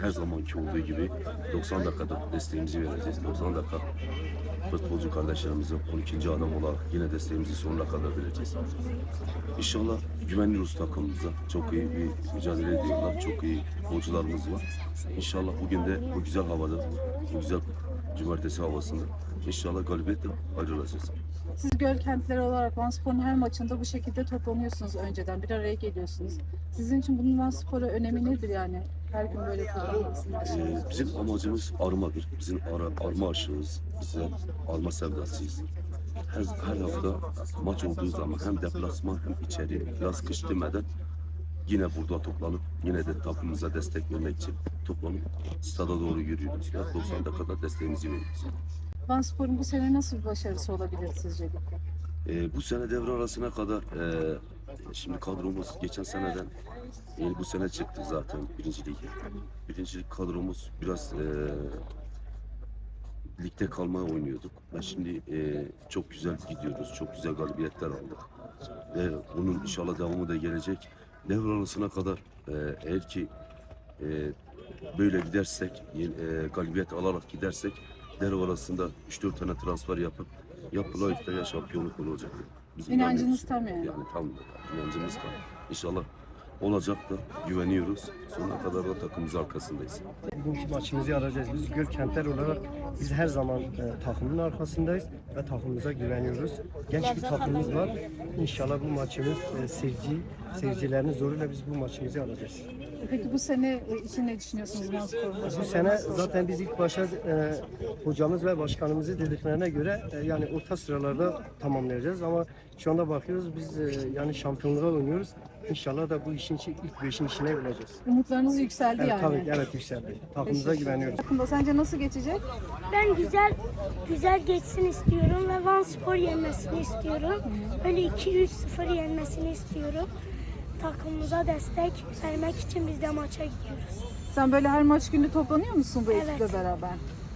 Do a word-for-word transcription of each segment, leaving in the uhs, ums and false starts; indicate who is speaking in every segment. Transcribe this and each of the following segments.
Speaker 1: her zamanki olduğu gibi doksan dakikada desteğimizi vereceğiz. doksan dakika futbolcu kardeşlerimize on ikinci adam olarak yine desteğimizi sonuna kadar vereceğiz. İnşallah güveniyoruz takımımıza. Çok iyi bir mücadele ediyorlar. Çok iyi futbolcularımız var. İnşallah bugün de bu güzel havada, bu güzel cumartesi havasında İnşallah galibiyetle ayrılacağız.
Speaker 2: Siz göl kentleri olarak Vanspor'un her maçında bu şekilde toplanıyorsunuz önceden. Bir araya geliyorsunuz. Sizin için bunun Vanspor'a önemi nedir yani? Her gün böyle toplanmasının
Speaker 1: Ee, bizim amacımız armadır. Bizim ara, arma aşığız. Bize arma sevdasıyız. Her, her hafta maç olduğu zaman hem deplasman hem içeri yaz kış demeden yine burada toplanıp yine de takımımıza destek vermek için toplanıp stada doğru yürüyoruz. Ve doksan dakikada desteğimizi veriyoruz.
Speaker 2: Vanspor'un bu sene nasıl bir başarısı olabilir sizce?
Speaker 1: Ee, bu sene devre arasına kadar e, şimdi kadromuz geçen seneden yani bu sene çıktık zaten birinci lige. Birincilik kadromuz biraz e, ligde kalmaya oynuyorduk. Ve şimdi e, çok güzel gidiyoruz. Çok güzel galibiyetler aldık. Ve bunun inşallah devamı da gelecek. Devre arasına kadar e, eğer ki e, böyle gidersek, e, galibiyet alarak gidersek devre arasında üç dört tane transfer yapıp yapılayıp da ya şampiyonluk olacak. Bizim
Speaker 2: İnancınız
Speaker 1: yani-
Speaker 2: tam yani.
Speaker 1: Yani tam inancımız tam. İnşallah olacak da güveniyoruz. Sonuna kadar da takımımız arkasındayız.
Speaker 3: Bugünkü maçımızı alacağız. Biz Göl Kentler olarak biz her zaman e, takımın arkasındayız ve takımımıza güveniyoruz. Genç bir takımımız var. İnşallah bu maçımız e, seyirci, seyircilerin zoruyla biz bu maçımızı alacağız.
Speaker 2: Peki bu sene için ne düşünüyorsunuz Vanspor'un
Speaker 3: Bu
Speaker 2: başarısı?
Speaker 3: sene zaten biz ilk başta e, hocamız ve başkanımızı dediklerine göre e, yani orta sıralarda tamamlayacağız ama şu anda bakıyoruz biz e, yani şampiyonluğa oynuyoruz. İnşallah da bu işin içi, ilk beşin içine olacağız.
Speaker 2: Umutlarınız yükseldi
Speaker 3: Evet,
Speaker 2: yani.
Speaker 3: tabii evet yükseldi. Takımımıza güveniyoruz.
Speaker 2: Takımda sence nasıl geçecek?
Speaker 4: Ben güzel güzel geçsin istiyorum ve Vanspor yenmesini istiyorum. Böyle iki üç sıfır yenmesini istiyorum. Takımımıza destek vermek için biz de maça gidiyoruz.
Speaker 2: Sen böyle her maç günü toplanıyor musun bu
Speaker 4: Evet.
Speaker 2: ekiple beraber?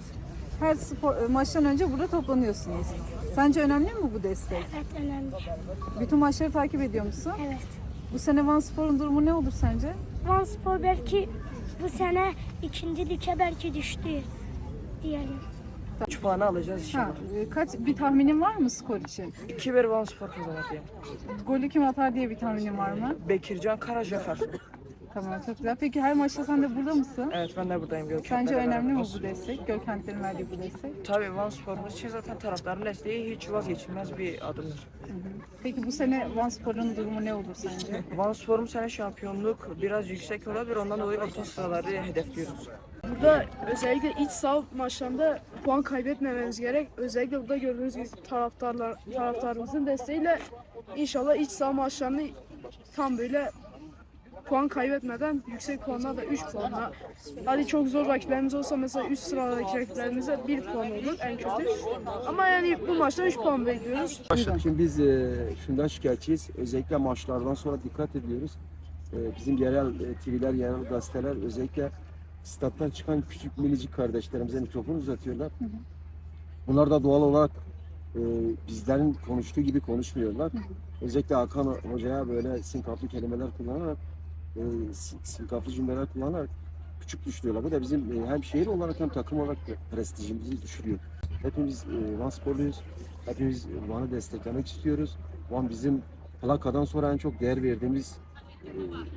Speaker 2: Her spor, maçtan önce burada toplanıyorsunuz. Sence önemli mi bu destek?
Speaker 4: Evet, önemli.
Speaker 2: Bütün maçları takip ediyor musun?
Speaker 4: Evet.
Speaker 2: Bu sene Vanspor'un durumu ne olur sence?
Speaker 4: Vanspor belki bu sene ikinci lige belki düştü diyelim.
Speaker 5: üç puanı alacağız
Speaker 2: Ha,
Speaker 5: inşallah.
Speaker 2: e, kaç bir tahminin var mı skor için?
Speaker 5: iki bir Vanspor kazanır diye.
Speaker 2: Golü kim atar diye bir tahminin var mı?
Speaker 5: Bekircan Karacafer.
Speaker 2: Tamam, çok güzel. Peki her maçta sen de burada mısın?
Speaker 5: Evet, ben de buradayım. Gökhan
Speaker 2: Sence
Speaker 5: Bey'le
Speaker 2: önemli mi
Speaker 5: beraber.
Speaker 2: bu destek? Gökhan'ın verdiği bu destek.
Speaker 5: Tabii Vanspor'umuz için zaten taraftarın desteği hiç vazgeçilmez bir adımdır.
Speaker 2: Peki bu sene Vanspor'un durumu ne olur sence?
Speaker 5: Vanspor'un sene şampiyonluk biraz yüksek olabilir. Ondan dolayı orta sıraları hedefliyoruz.
Speaker 6: Burada özellikle iç saha maçlarında puan kaybetmememiz gerek. Özellikle burada gördüğünüz gibi taraftarlar, taraftarımızın desteğiyle inşallah iç saha maçlarını tam böyle puan kaybetmeden yüksek puanla da üç puanla. Hadi çok zor rakiplerimiz olsa mesela üst sıradaki rakiplerimize bir puan olur en kötü. Ama yani bu maçta üç puan bekliyoruz.
Speaker 7: Şimdi biz e, şundan şikayetçiyiz. Özellikle maçlardan sonra dikkat ediyoruz. E, bizim yerel e, T V'ler, yerel gazeteler özellikle stat'tan çıkan küçük minicik kardeşlerimize mikrofon uzatıyorlar. Bunlar da doğal olarak e, bizlerin konuştuğu gibi konuşmuyorlar. Özellikle Hakan Hoca'ya böyle sinkaflı kelimeler kullanarak, e, sin- sinkaflı cümleler kullanarak küçük düşürüyorlar. Bu da bizim e, hem şehir olarak hem takım olarak da prestijimizi düşürüyor. Hepimiz e, Van sporluyuz. Hepimiz Van'ı desteklemek istiyoruz. Van bizim plakadan sonra en çok değer verdiğimiz e,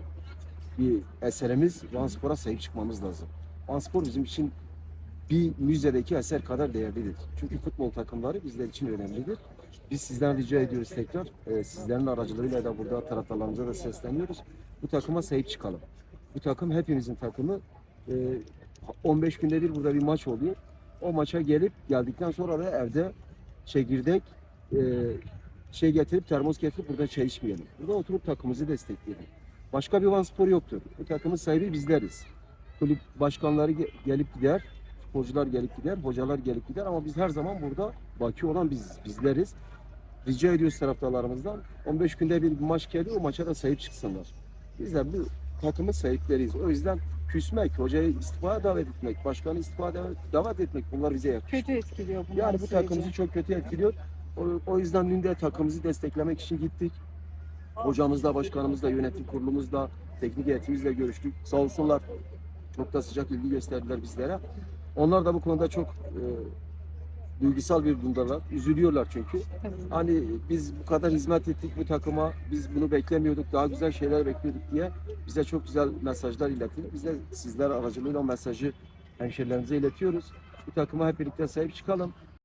Speaker 7: bir eserimiz. Van Spor'a sahip çıkmamız lazım. Van Spor bizim için bir müzedeki eser kadar değerlidir. Çünkü futbol takımları bizler için önemlidir. Biz sizden rica ediyoruz tekrar. E, sizlerin aracılığıyla da burada taraftarlarımıza da sesleniyoruz. Bu takıma sahip çıkalım. Bu takım hepimizin takımı. E, on beş günde bir burada bir maç oluyor. O maça gelip geldikten sonra da evde çekirdek e, şey getirip termos getirip burada çay içmeyelim. Burada oturup takımımızı destekleyelim. Başka bir Van Spor yoktur. Bu takımın sahibi bizleriz. Kulüp başkanları ge- gelip gider, futbolcular gelip gider, hocalar gelip gider ama biz her zaman burada baki olan biz bizleriz. Rica ediyoruz taraftarlarımızdan on beş günde bir maç geliyor, o maça da sahip çıksınlar. Bizler bu takımın sahipleriyiz. O yüzden küsmek, hocayı istifaya davet etmek, başkanı istifaya davet, davet etmek bunlar bize yakışıyor.
Speaker 2: Kötü etkiliyor bunlar
Speaker 7: Yani bu
Speaker 2: süreci.
Speaker 7: takımımızı çok kötü etkiliyor. O, o yüzden dün de takımımızı desteklemek için gittik. Hocamızla, başkanımızla, yönetim kurulumuzla, teknik heyetimizle görüştük. Sağ olsunlar. Çok da sıcak ilgi gösterdiler bizlere. Onlar da bu konuda çok e, duygusal bir durumdalar. Üzülüyorlar çünkü.
Speaker 2: Tabii.
Speaker 7: Hani biz bu kadar hizmet ettik bu takıma, biz bunu beklemiyorduk, daha güzel şeyler bekliyorduk diye bize çok güzel mesajlar iletildi. Biz de sizler aracılığıyla o mesajı hemşerilerimize iletiyoruz. Bu takıma hep birlikte sahip çıkalım.